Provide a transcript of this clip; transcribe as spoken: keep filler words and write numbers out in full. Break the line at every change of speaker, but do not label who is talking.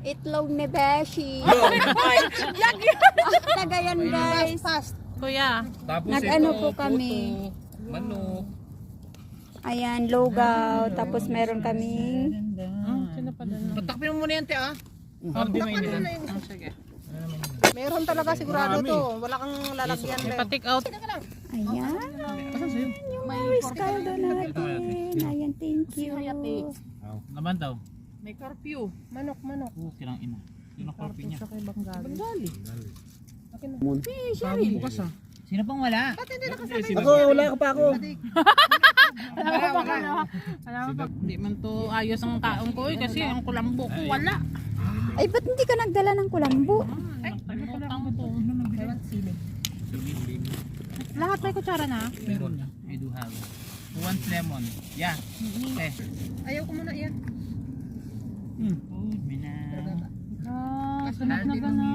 Itlog ni Beshi. Tagayan guys.
Kuya.
Tapos
Nag-ano
ito,
po kami.
puto, manok.
Ayan, logaw. Tapos meron kaming
Patakpin mo muna yan, te, ah.
Hindi may
Patakpin mo na yun.
Sige.
Meron talaga sigurado to. Wala kang lalagyan.
May
Be.
pa-take out.
ayan. Yung Maris caldo natin. Ayan, thank you.
Naman daw.
May curfew. Manok, manok.
Oh, kinang ina. Yun ang korpi niya.
Bengali.
Sabi bukas ah. Sino pang wala?
Ba't hindi nakasabay?
Ako, wala ka pa ako.
Wala, wala. Wala. Hindi man to ayos ang taong ko eh, kasi ang kulambo ko wala.
Ay, ba't hindi ka nagdala ng kulambo?
Nakalimutan ko. Lahat may kutsara na.
Meron na. I do have. Who wants lemon? Yeah. Eh.
Ayaw ko muna yan.
Hmm. Oh, mina.
Ah, sunod na ba na?